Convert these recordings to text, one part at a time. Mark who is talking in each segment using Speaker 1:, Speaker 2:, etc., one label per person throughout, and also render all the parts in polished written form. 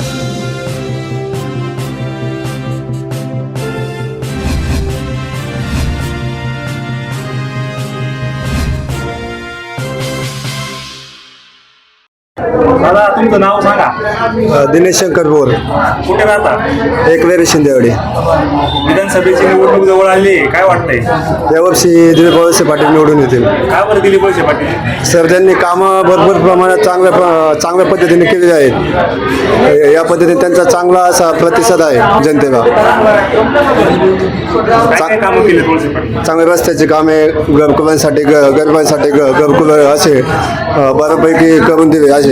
Speaker 1: दादा तुमचं नाव सांगा.
Speaker 2: दिनेश शंकर बोर,
Speaker 1: कुठे राहता?
Speaker 2: एकवेरी शिंदेवाडी.
Speaker 1: विधानसभेची निवडणूक जवळ आली, काय वाटतंय?
Speaker 2: यावर्षी दिलीप वळसे पाटील निवडून येतील.
Speaker 1: का बरं दिलीप वळसे पाटील?
Speaker 2: सर, त्यांनी कामं भरपूर प्रमाणात चांगल्या पद्धतीने केलेली आहेत. या पद्धतीने त्यांचा चांगला असा प्रतिसाद आहे जनतेला.
Speaker 1: काय कामं केली वळसे पाटील?
Speaker 2: चांगले रस्त्याची कामे, घरकुलांसाठी गरिबांसाठी घरकुल असे बऱ्यापैकी करून दिले. असे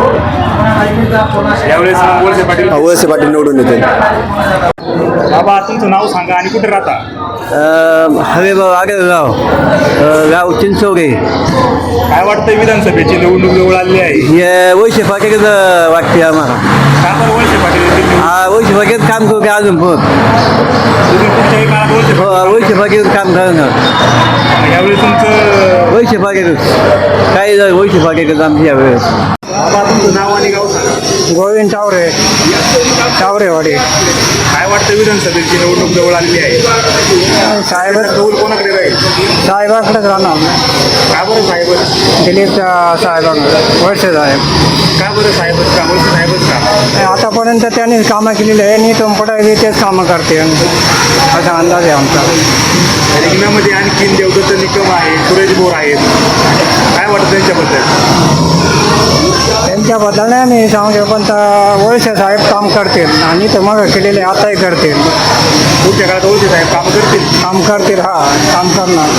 Speaker 1: यावेळेस
Speaker 2: वळसे पाटील निवडून येतील.
Speaker 1: बाबा तुमचं नाव सांगा आणि कुठे राहता?
Speaker 3: हवेगाव आगळगाव, गाव चिंचोगे.
Speaker 1: काय वाटतंय विधानसभेची निवडणूक जवळ आली आहे?
Speaker 3: हे वैशे पाटील वाटते आम्हाला.
Speaker 1: का बरं वळसे पाटील येतील?
Speaker 3: हा, वैशे पाटील काम करू का अजून पण?
Speaker 1: तुम्ही कुठच्याही काळात
Speaker 3: वैशे पाटील काम करणार.
Speaker 1: यावेळेस तुमचं
Speaker 3: वैशे पाटील काही वैशे पाटील आमची यावेळेस.
Speaker 1: बाबा तुमचं नाव आणि गाव सांगा.
Speaker 4: गोविंद टावरेवाडी.
Speaker 1: काय वाटतं विधानसभेची निवडणूक जवळ आलेली आहे?
Speaker 4: साहेब
Speaker 1: कौल कोणाकडे राहील?
Speaker 4: साहेबाकडेच राहणार.
Speaker 1: का बरं साहेब?
Speaker 4: दिलीप साहेबांकडे, वळसे साहेब.
Speaker 1: का बरं साहेबच का? वळसे साहेबच का?
Speaker 4: आतापर्यंत त्यांनी कामं केलेली आहे आणि इथून पुढे तेच कामं करते असा अंदाज आहे आमचा.
Speaker 1: रिंगणामध्ये आणखीन देवदत्त निकम आहे, सुरेश बोर आहेत, काय वाटतं त्यांच्याबद्दल?
Speaker 4: त्यांच्याबद्दल नाही मी सांगू, पण वळसे साहेब काम करतील आणि तर मग केलेले आताही करतील.
Speaker 1: पुढच्या काळात वळसे साहेब काम करतील.
Speaker 4: हा, काम करणार.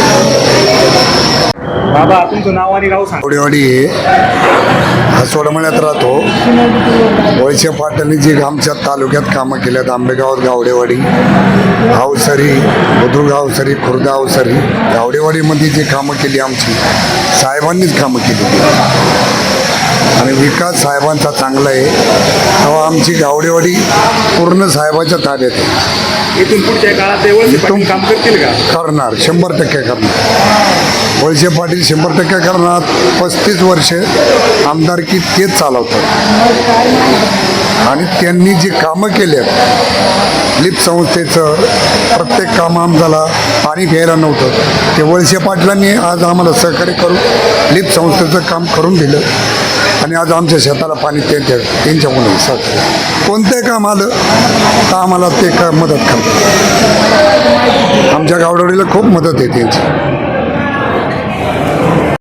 Speaker 1: बाबा तुमचं नाव आणि गाव सांगा.
Speaker 5: गावडेवाडी सोडमण्यात राहतो. वळसे पाटलांनी जी आमच्या तालुक्यात कामं केल्यात, आंबेगावात गावडेवाडी, अवसरी, बुद्रुक अवसरी, खुर्दा अवसरी, गावडेवाडीमध्ये जी कामं केली आमची साहेबांनीच कामं केली आणि विकास साहेबांचा चांगला आहे. तेव्हा आमची गावडेवाडी पूर्ण साहेबाच्या ताब्यात आहे.
Speaker 1: इथून पुढच्या काळात ते वळसे पाटील काम करतील का?
Speaker 5: करणार, 100% करणार. वळसे पाटील 100% करणार. 35 वर्ष आमदारकी तेच चालवतात आणि त्यांनी जी कामं केल्यात, लिप संस्थेचं प्रत्येक काम आम्हाला पाणी घ्यायला नव्हतं, ते वळसे पाटलांनी आज आम्हाला सहकार्य करून लिप संस्थेचं काम करून दिलं आणि आज आमच्या शेताला पाणी त्यांच्यामुळे सहकार्य. कोणतं काम आलं तर आम्हाला ते मदत करतात. आमच्या गावडोळीला खूप मदत आहे त्यांची.